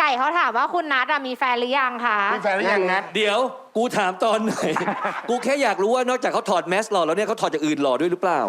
ก่เขาถามว่าคุณนัทมีแฟนหรือยังคะมีแฟนหรือยังนัทเดี๋ยวกูถามตอนไหน กูแค่อยากรู้ว่านอกจากเขาถอดแมสหล่อแล้วเนี่ยเขาถอดจากอื่นหล่อด้วยหรือเปล่า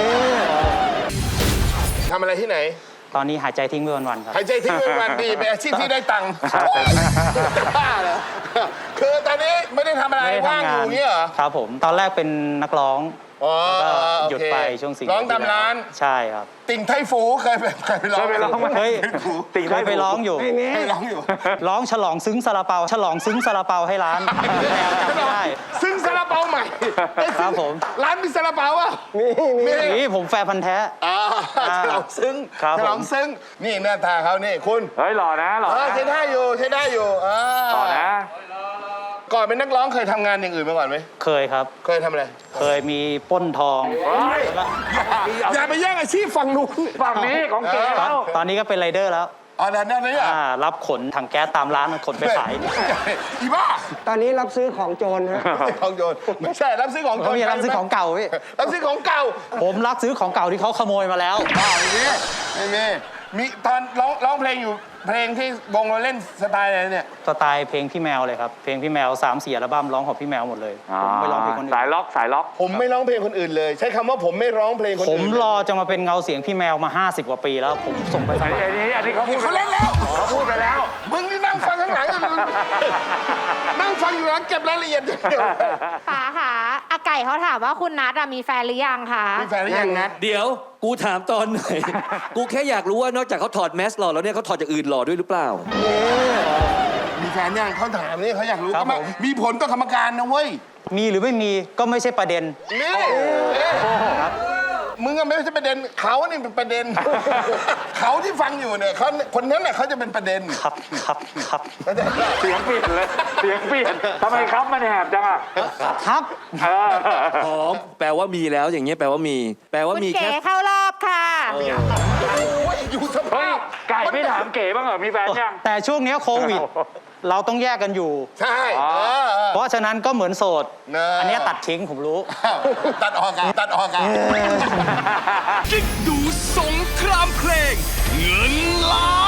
ทำอะไรที่ไหนตอนนี้หายใจทิ้งไปวันๆครับหายใจทิ้งไปวันดีเป็นอาชีพที่ได้ตังค์บ้าเหรอคือตอนนี้ไม่ได้ทำอะไรว่างอยู่เงี้ยเหรอครับผมตอนแรกเป็นนักร้องแล้วก็หยุดไปช่วง4 ร้องตามร้านใช่ครับติ่งไทฟูเคยไปร้องเคยไปร้องอยู่เคยร้องอยู่ร้องฉลองซึ้งซาลาเปาฉลองซึ้งซาลาเปาให้ร้านแมวจำไม่ได้ซึ้งซาลาเปาใหม่ครับผมร้านมีซาลาเปาอ่ะมีผมแฟนพันธ์แท้ฉลองซึ้งฉลองซึ้งนี่หน้าตาเขานี่คุณเฮ้ยหล่อนะหล่อใช้ได้อยู่ใช้ได้อยู่หล่อนะก่อนเป็นนักร้องเคยทำงานอย่างอื่นมาก่อนไหมเคยครับเคยทำอะไรเคยมีปล้นทองอย่าไปแย่งอาชีพฝั่งนู้นฝั่งนี้ของเก๋แล้วตอนนี้ก็เป็นไรเดอร์แล้วนั่นนี่รับขนถังแก๊สตามร้านขนไปขายอีบ้าตอนนี้รับซื้อของโจรฮะของโจรไม่ใช่รับซื้อของโจรมีรับซื้อของเก่าพี่รับซื้อของเก่าผมรับซื้อของเก่าที่เขาขโมยมาแล้วไม่มีตอนร้องเพลงอยู่เพลงที่วงเราเล่นสไตล์อะไรเนี่ยสไตล์เพลงพี่แมวเลยครับเพลงพี่แมว3-4 อัลบั้มร้องของพี่แมวหมดเลยผมไม่ร้องเพลงคนอื่นสายล็อกสายล็อกผมไม่ร้องเพลงคนอื่นเลยใช้คำว่าผมไม่ร้องเพลงคนอื่นผมรอจะมาเป็นเงาเสียงพี่แมวมา50 กว่าปีแล้วผมส่งไปอันนี้เขาพูดเขาเล่นแล้วเขาพูดไปแล้วมึงนี่นั่งฟังข้างหลังนั่งฟังอยู่แล้วเก็บรายละเอียดป๋าค่ะอาไก่เขาถามว่าคุณนัทมีแฟนหรือยังคะมีแฟนหรือยังนัทเดี๋ยวกูถามตอนไหน กูแค่อยากรู้ว่านอกจากเขาถอดแมสหล่อแล้วเนี่ยเขาถอดจากอื่นหล่อด้วยหรือเปล่ามีแฟนยังเขาถามนี่เขาอยากรู้ก็มีผลต่อกรรมการนะเว้ยมีหรือไม่มีก็ไม่ใช่ประเด็นนี่มึงก็ไม่ใช่ประเด็นเขานี่เป็นประเด็นเขาที่ฟังอยู่เนี่ยเขาคนนั้นน่ะเขาจะเป็นประเด็นครับเสียงเปลี่ยนเลยเสียงเปลี่ยนทำไมครับมันแหบจังอ่ะครับหอมแปลว่ามีแล้วอย่างเงี้ยแปลว่ามีแค่เข้ารอบค่ะอยู่สภาพไก่ไม่ถามเก๋บ้างเหรอมีแฟนยังแต่ช่วงนี้โควิดเราต้องแยกกันอยู่ใช่เพราะฉะนั้นก็เหมือนโสดอันนี้ตัดทิ้งผมรู้ตัดออกกันกิ๊กดูสงครามเพลงเงินล้าน